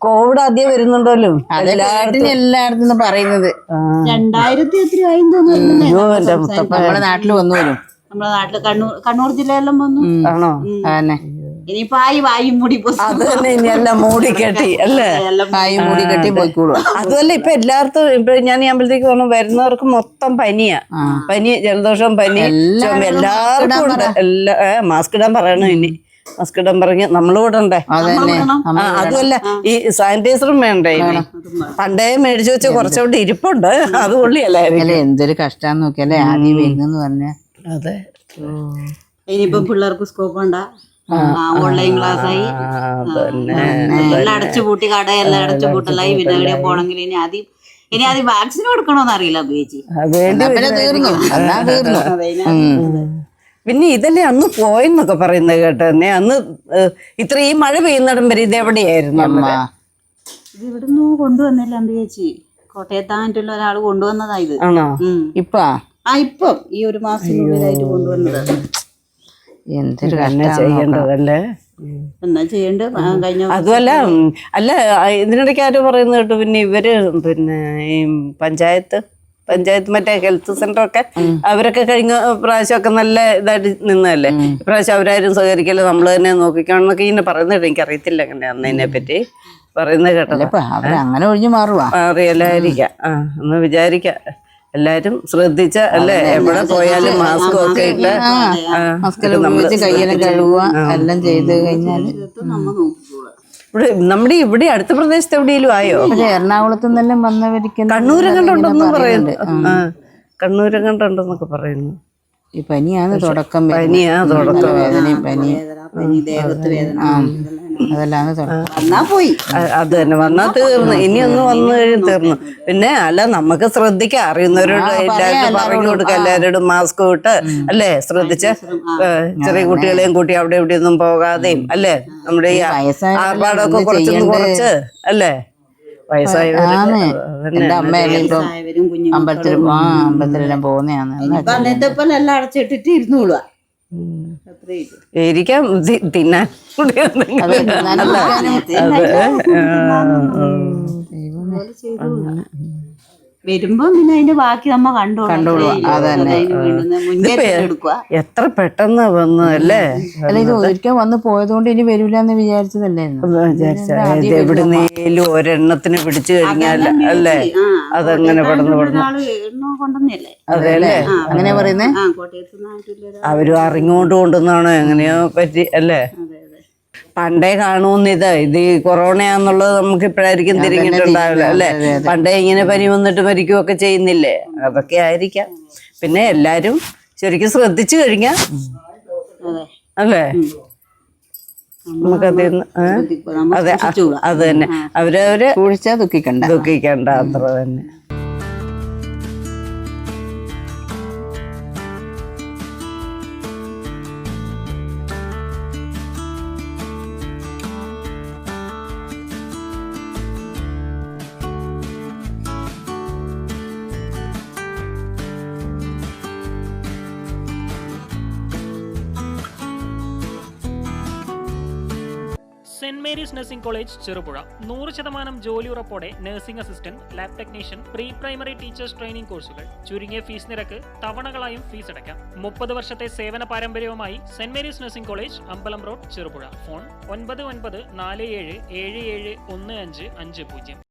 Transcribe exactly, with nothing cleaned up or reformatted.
Covid ആദ്യം വരുന്നുണ്ടല്ലോ എല്ലായിടത്തും എല്ലായിടത്തും പറയുന്നത് രണ്ടായിരത്തി എത്ര ആയി തോന്നുന്നു. നമ്മുടെ നാട്ടിൽ വന്നു വരും. നമ്മുടെ നാട്ടില് കണ്ണൂർ കണ്ണൂർ ജില്ലയെല്ലാം വന്നു. ആണോ? അതന്നെ ഇനിയിപ്പോ ആയി വായും മൂടി അത് തന്നെ ഇനി എല്ലാം മൂടി കെട്ടി അല്ലേ? ആയി മൂടി കെട്ടി പോയിക്കോളൂ. അതുമല്ല ഇപ്പൊ എല്ലായിടത്തും ഇപ്പൊ ഞാൻ ഈ അമ്പലത്തേക്ക് പറഞ്ഞു വരുന്നവർക്ക് മൊത്തം പനിയാ. പനി, ജലദോഷം, പനി, ചുമ എല്ലാവർക്കും ഉണ്ട്. എല്ലാ മാസ്ക് ഇടാൻ പറയണോ ഇനി? മാസ്ക് ഇടാൻ പറഞ്ഞ് നമ്മളും ഇടണ്ടേ? അതുമല്ല ഈ സാനിറ്റൈസറും വേണ്ടേ? പണ്ടേ മേടിച്ചു വെച്ച കുറച്ചുകൊണ്ട് ഇരിപ്പുണ്ട്. അത് കൊള്ളിയല്ലായിരിക്കും. എന്തൊരു കഷ്ടാന്ന് നോക്കിയല്ലേ ആദ്യം വരുന്നെന്ന് പറഞ്ഞ. അതെ. ഇനിയിപ്പം പിള്ളേർക്ക് സ്കോപ്പ് ഉണ്ടാ, ഓൺലൈൻ ക്ലാസ് ആയി, എല്ലാം അടച്ചുപൂട്ടി, കടയെല്ലാം അടച്ചുപൂട്ടലായി. പിന്നെ എവിടെ പോണെങ്കിൽ ഇനി ആദ്യം ഇനി ആദ്യം വാക്സിൻ കൊടുക്കണോന്ന് അറിയില്ല ചേച്ചി. പിന്നെ ഇതല്ലേ അന്ന് പോയെന്നൊക്കെ പറയുന്നത് കേട്ടെന്നെ. അന്ന് ഇത്ര ഈ മഴ പെയ്യുന്നിടം വരെ ഇത് എവിടെയായിരുന്നു? ഇത് ഇവിടുന്ന് കൊണ്ടുവന്നില്ല ചേച്ചി, കോട്ടയത്തായിട്ടുള്ള ഒരാൾ കൊണ്ടുവന്നതാ ഇത്. ആണോ? ഇപ്പൊ ആ ഇപ്പം ഈ ഒരു മാസത്തിനുള്ളിലായിട്ട് കൊണ്ടുവന്നത്. എന്തൊരു ചെയ്യേണ്ടതല്ലേ? എന്നാ ചെയ്യണ്ടേ? കഴിഞ്ഞ അതുമല്ല അല്ല ഇതിനിടയ്ക്ക് ആരോ പറയുന്നത് കേട്ടു, പിന്നെ ഇവര് പിന്നെ ഈ പഞ്ചായത്ത് പഞ്ചായത്ത് മറ്റേ ഹെൽത്ത് സെന്റർ ഒക്കെ അവരൊക്കെ കഴിഞ്ഞ പ്രാവശ്യമൊക്കെ നല്ല ഇതായിട്ട് നിന്നതല്ലേ. ഇപ്രാവശ്യം അവരാരും സഹകരിക്കല്ലോ, നമ്മൾ തന്നെ നോക്കിക്കണം എന്നൊക്കെ ഇങ്ങനെ പറയുന്നത് എനിക്ക് അറിയത്തില്ല എങ്ങനെ അന്നതിനെ പറ്റി പറയുന്നത് കേട്ടല്ലോ. അവരങ്ങനെ ഒഴിഞ്ഞു മാറുവാ അറിയല്ലായിരിക്കാം. ആ ഒന്ന് വിചാരിക്കാം എല്ലാരും ശ്രദ്ധിച്ച അല്ലേ, എവിടെ പോയാലും മാസ്ക് ഒക്കെ ഇട്ട് കയ്യെല്ലാം കഴുകുക എല്ലാം ചെയ്ത് കഴിഞ്ഞാല് ഇവിടെ നമ്മുടെ ഇവിടെ അടുത്ത പ്രദേശത്ത് എവിടെയെങ്കിലും ആയോ? എറണാകുളത്ത് നിന്നെല്ലാം വന്നവർക്ക് കണ്ണൂരും കണ്ടുണ്ടെന്ന് പറയുന്നു. ആ കണ്ണൂരും കണ്ടുണ്ടെന്നൊക്കെ പറയുന്നു. ഈ പനിയാണ് തുടക്കം. പനിയാ തുടക്കം. വേദനയും പനിയും പനി, ദേഹത്ത് വേദന, അതെല്ലാം വന്നാ പോയി. അത് തന്നെ വന്നാ തീർന്നു. ഇനി ഒന്ന് വന്നു കഴിഞ്ഞ് തീർന്നു. പിന്നെ അല്ല നമുക്ക് ശ്രദ്ധിക്കാം, അറിയുന്നവരോട് എല്ലാവർക്കും പറഞ്ഞു കൊടുക്കാം, എല്ലാവരോടും മാസ്ക് ഇട്ട് അല്ലേ ശ്രദ്ധിച്ച് ചെറിയ കുട്ടികളെയും കൂട്ടി അവിടെ ഇവിടെ ഒന്നും പോകാതെയും അല്ലേ നമ്മുടെ ഈ ആർഭാടമൊക്കെ കുറച്ചൊന്നും കുറച്ച് അല്ലേ വയസ്സായവര്. എന്റെ അമ്മയെല്ലാം ഇപ്പം അമ്പലത്തിലും ആ അമ്പലത്തിലെല്ലാം പോകുന്നതാണ്. അന്നത്തെ പോലെ എല്ലാം അടച്ചിട്ടിട്ട് ഇരുന്നോളുക. ഇരിക്കാം, തിന്നാൻ വരുമ്പോ പിന്നെ അതിന്റെ ബാക്കി നമ്മ കണ്ടോളൂ. എത്ര പെട്ടെന്ന് വന്നു അല്ലേ? അല്ല ഇത് ഒരിക്കൽ വന്ന് പോയതുകൊണ്ട് ഇനി വരൂല എന്ന് വിചാരിച്ചതല്ലായിരുന്നു. എവിടുന്നേലും ഒരെണ്ണത്തിന് പിടിച്ചു കഴിഞ്ഞാൽ അല്ലേ അതങ്ങനെ പെടന്ന് പെടുന്നു. അതെ അല്ലേ? അങ്ങനെ പറയുന്നേ. അവരും അറിഞ്ഞുകൊണ്ട് കൊണ്ടുവന്നാണോ എങ്ങനെയോ പറ്റി അല്ലേ? പണ്ടേ കാണുമെന്നിത് ഇത് ഈ കൊറോണയാന്നുള്ളത് നമുക്ക് ഇപ്പഴായിരിക്കും തിരിഞ്ഞിട്ടുണ്ടാവില്ല അല്ലെ? പണ്ടേ ഇങ്ങനെ പനി വന്നിട്ട് മരിക്കുകയൊക്കെ ചെയ്യുന്നില്ലേ? അതൊക്കെ ആയിരിക്കാം. പിന്നെ എല്ലാരും ശരിക്കും ശ്രദ്ധിച്ചു കഴിഞ്ഞാ അല്ലേ നമുക്കത് അതെ അത് തന്നെ അവരവര് കുഴിച്ചാ ദുഃഖിക്കണ്ട ദുഃഖിക്കണ്ട അത്ര തന്നെ. Saint Mary's nursing college Cherupuzha നൂറ് ശതമാനം ജോലി ഉറപ്പോടെ nursing assistant, lab technician, pre primary teachers training കോഴ്സുകൾ, ചുരുങ്ങിയ ഫീസ് നിരക്ക്, തവണകളായും ഫീസ് അടയ്ക്കാം. മുപ്പത് വർഷത്തെ സേവന പാരമ്പര്യവുമായി സെന്റ് മേരീസ് നഴ്സിംഗ് കോളേജ്, അമ്പലം റോഡ്, ചെറുപുഴ. ഫോൺ ഒൻപത് ഒൻപത് നാല് ഏഴ് ഏഴ് ഏഴ് ഒന്ന് അഞ്ച് അഞ്ച് പൂജ്യം.